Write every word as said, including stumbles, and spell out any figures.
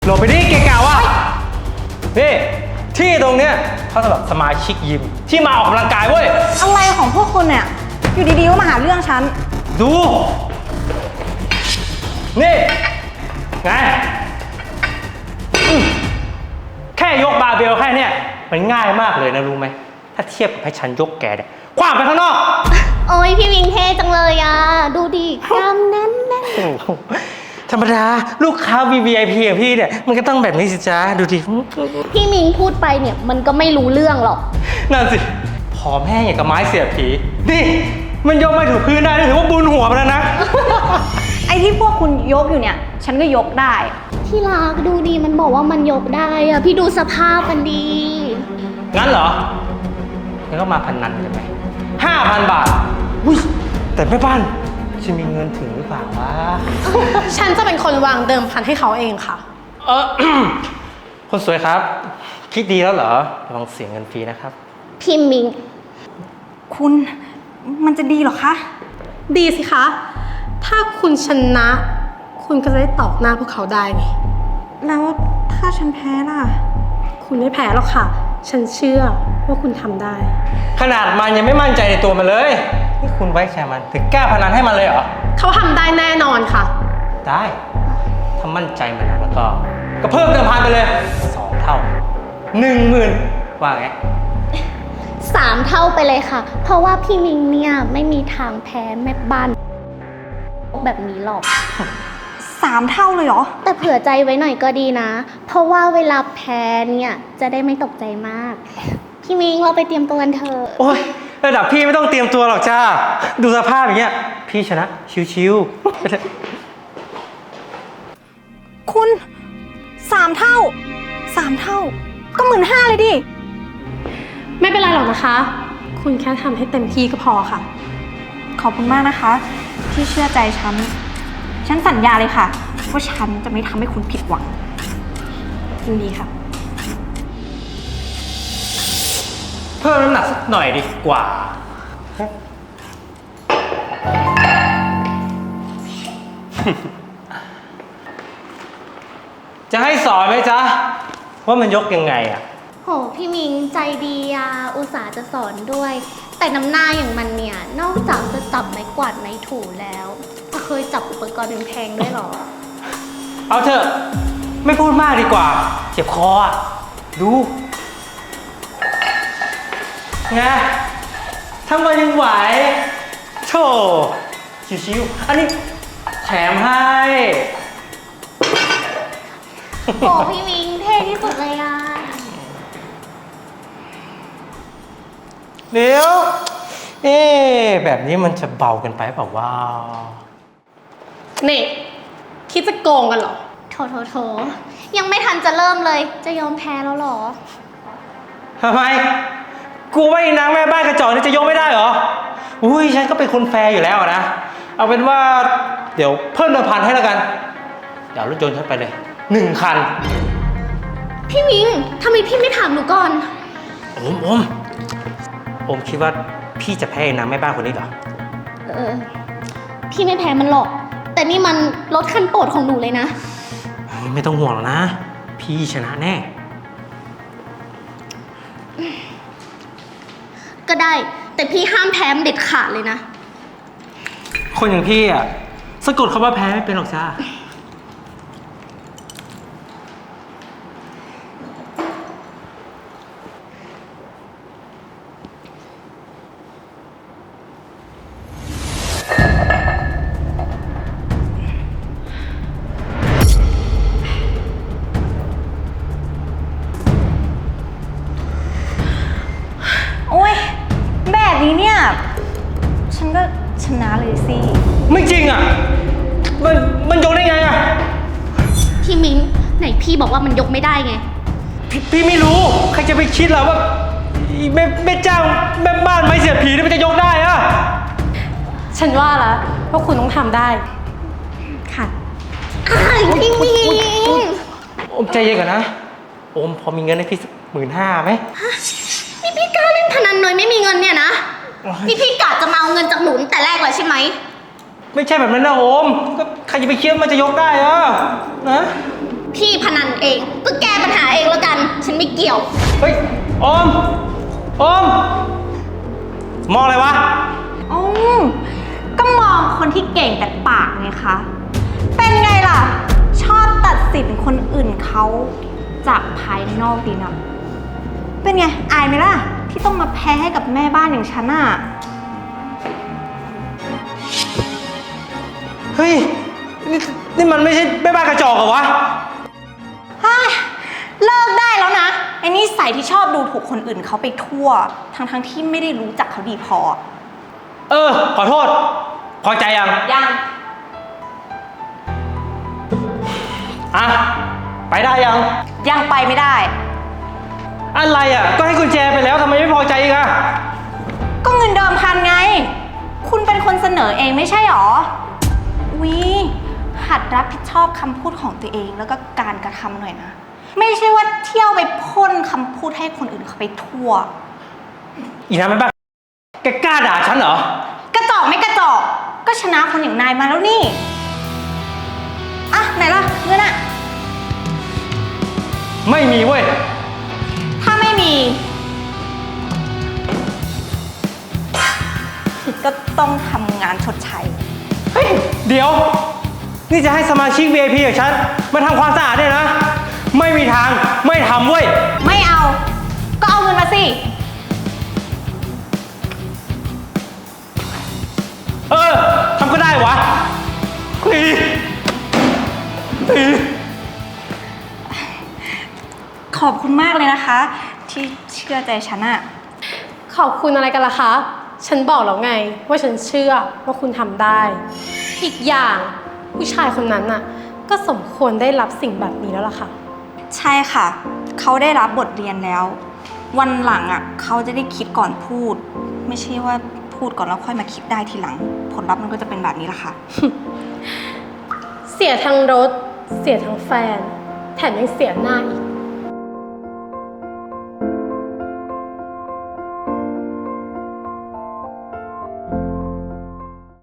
หลบไปดิเกะกะวะนี่ที่ตรงเนี้ยเขาสำหรับสมาชิกยิมที่มาออกกำลังกายเว้ยอะไรของพวกคุณเนี่ยอยู่ดีๆก็มาหาเรื่องฉันดูนี่ไงแค่ยกบาร์เบลแค่เนี้ยมันง่ายมากเลยนะรู้ไหมถ้าเทียบกับให้ฉันยกแกเนี่ยคว้างไปข้างนอกโอ้ยพี่วิงเท่จังเลยอ่ะดูดิกล้ามแน่นแน่นธรรมดาลูกค้า วี วี ไอ พี อย่างพี่เนี่ยมันก็ต้องแบบนี้สิจ๊ะดูดิพี่มิงพูดไปเนี่ยมันก็ไม่รู้เรื่องหรอกนั่นสิผอมแห้งอย่างกับไม้เสียบผีนี่มันยกไม่ถูกพื้นได้ถือว่าบุญหัวไปแล้วนะไอ้ที่พวกคุณยกอยู่เนี่ยฉันก็ยกได้ที่รักดูดีมันบอกว่ามันยกได้อะพี่ดูสภาพมันดีงั้นเหรองั้นก็มาพันนันกันไหมห้าพันบาทอุ้ยแต่แม่บ้านจะมีเงินถึงหรือเปล่าวะฉันจะเป็นคนวางเดิมพันให้เขาเองค่ะเออ คนสวยครับคิดดีแล้วเหรอระวังเสียเงินฟรีนะครับพี่มิงคุณมันจะดีหรอคะดีสิคะถ้าคุณชนะคุณก็จะได้ตอกหน้าพวกเขาได้ไงแล้วถ้าฉันแพ้ล่ะคุณไม่แพ้หรอกค่ะฉันเชื่อว่าคุณทำได้ขนาดมันยังไม่มั่นใจในตัวมันเลยนี่คุณไว้ใจมันถึงกล้าพนันให้มันเลยเหรอเขาทำได้แน่นอนค่ะได้ถ้ามั่นใจมันแล้วก็ก็เพิ่มเงินพันไปเลยสองเท่าหนึ่งหมื่นว่าไงสามเท่าไปเลยค่ะเพราะว่าพี่มิงเนี่ยไม่มีทางแพ้แม่บ้านแบบนี้หรอกสามเท่าเลยเหรอแต่เผื่อใจไว้หน่อยก็ดีนะเพราะว่าเวลาแพ้เนี่ยจะได้ไม่ตกใจมากพี่มิงเราไปเตรียมตัวกันเถอะโอ๊ยระดับพี่ไม่ต้องเตรียมตัวหรอกจ้าดูสภาพอย่างเงี้ยพี่ชนะชิวๆคุณสามเท่าสามเท่าก็หมื่นห้าเลยดิไม่เป็นไรหรอกนะคะคุณแค่ทำให้เต็มที่ก็พอค่ะขอบคุณมากนะคะที่เชื่อใจฉันฉันสัญญาเลยค่ะว่าฉันจะไม่ทำให้คุณผิดหวังยินดีค่ะเพิ่มน้ำหนักสักหน่อยดีกว่าจะให้สอนไหมจ๊ะว่ามันยกยังไงอ่ะโหพี่มิงใจดีอ่ะอุตส่าห์จะสอนด้วยแต่น้ำหน้าอย่างมันเนี่ยนอกจากจะจับไม้กวาดไม้ถูแล้วเคยจับอุปกรณ์แพงๆด้วยหรอเอาเถอะไม่พูดมากดีกว่าเจ็บคออ่ะดูไงทำไมยังไหวโธ่ชิวๆอันนี้แถมให้โอ้พี่มิงเท่ที่สุดเลยอ่ะเดี๋ยวเอ๊แบบนี้มันจะเบากันไปเปล่าว่านี่คิดจะโกงกันเหรอโถโถโถยังไม่ทันจะเริ่มเลยจะยอมแพ้แล้วหรอทำไมกูว่าอีนางแม่บ้านกระจอกนี่จะยกไม่ได้เหรออุ้ยฉันก็เป็นคนแฟร์อยู่แล้วนะเอาเป็นว่าเดี๋ยวเพิ่มเงินพันให้แล้วกันเดี๋ยวรถยนต์ฉันไปเลยหนึ่งคันพี่มิงทำไมพี่ไม่ถามหนูก่อนโอมโอมโอมคิดว่าพี่จะแพ้นางแม่บ้านคนนี้เหรอเออพี่ไม่แพ้มันหรอกแต่นี่มันรถคันโปรดของหนูเลยนะไม่ต้องห่วงหรอกนะพี่ชนะแน่ก็ได้แต่พี่ห้ามแพ้เด็ดขาดเลยนะคนอย่างพี่อ่ะสะกดคำว่าแพ้ไม่เป็นหรอกจ้านี้เนี่ยฉันก็ชนะเลยสิไม่จริงอ่ะมันมันยกได้ไงอ่ะพี่มิ้งไหนพี่บอกว่ามันยกไม่ได้ไงพพี่ไม่รู้ใครจะไปคิดล่ะว่าแม่แม่เจ้าแม่บ้านไม่เสียผีนี่มันจะยกได้อ่ะฉันว่าแล้วว่าคุณต้องทำได้ค่ะพี่มิ้งโอมใจเย็นก่อนนะโอมพอมีเงินให้พี่สักหมื่นห้าไหมนี่พี่กล้าเล่นพนันโดยไม่มีเงินเนี่ยนะนี่พี่กะจะมาเอาเงินจากหนูแต่แรกเลยใช่ไหมไม่ใช่แบบนั้นนะโอมก็ใครจะไปคิดมันจะยกได้อะนะพี่พนันเอง ก็แก้ปัญหาเองแล้วกัน ฉันไม่เกี่ยวเฮ้ย ออม ออม มองอะไรวะอืมก็มองคนที่เก่งแต่ปากไงคะ เป็นไงล่ะ ชอบตัดสินคนอื่นเขาจากภายนอกดีนะเป็นไง อายไหมล่ะ ที่ต้องมาแพ้ให้กับแม่บ้านอย่างฉันอะเฮ้ย นี่นี่มันไม่ใช่แม่บ้านกระจอกเหรอวะฮ่าเลิกได้แล้วนะ ไอ้นิสัยที่ชอบดูถูกคนอื่นเขาไปทั่ว ทั้งๆที่ไม่ได้รู้จักเขาดีพอเออ ขอโทษ พอใจยังยังอ่ะ ไปได้ยังยังไปไม่ได้อะไรอ่ะ ก็ให้กุญแจไปแล้วทำไมไม่พอใจอีกอ่ะก็เงินเดิมพันไง คุณเป็นคนเสนอเองไม่ใช่หรอวิหัดรับผิดชอบคำพูดของตัวเองแล้วก็การกระทำหน่อยนะ ไม่ใช่ว่าเที่ยวไปพ่นคำพูดให้คนอื่นเขาไปทั่วอีน้ำแม่บ้านแกกล้าด่าฉันเหรอกระจอกไม่กระจอก ก็ชนะคนอย่างนายมาแล้วนี่ อ่ะ ไหนล่ะเงินอะไม่มีเว้ยถ้าไม่มี ก็ต้องทำงานชดใช้เฮ้ย เดี๋ยว นี่จะให้สมาชิก วี ไอ พี อย่างฉันมาทำความสะอาดเนี่ยนะ ไม่มีทาง ไม่ทำเว้ยไม่เอา ก็เอาเงินมาสิเออ ทำก็ได้วะเฮ้ยเฮ้ยขอบคุณมากเลยนะคะ ที่เชื่อใจฉันอะขอบคุณอะไรกันล่ะคะ ฉันบอกแล้วไงว่าฉันเชื่อว่าคุณทำได้ อีกอย่างผู้ชายคนนั้นน่ะก็สมควรได้รับสิ่งแบบนี้แล้วล่ะค่ะใช่ค่ะ เขาได้รับบทเรียนแล้ว วันหลังอะเขาจะได้คิดก่อนพูด ไม่ใช่ว่าพูดก่อนแล้วค่อยมาคิดได้ทีหลัง ผลลัพธ์มันก็จะเป็นแบบนี้ละค่ะเสียทั้งรถ เสียทั้งแฟน แถมยังเสียหน้าอีก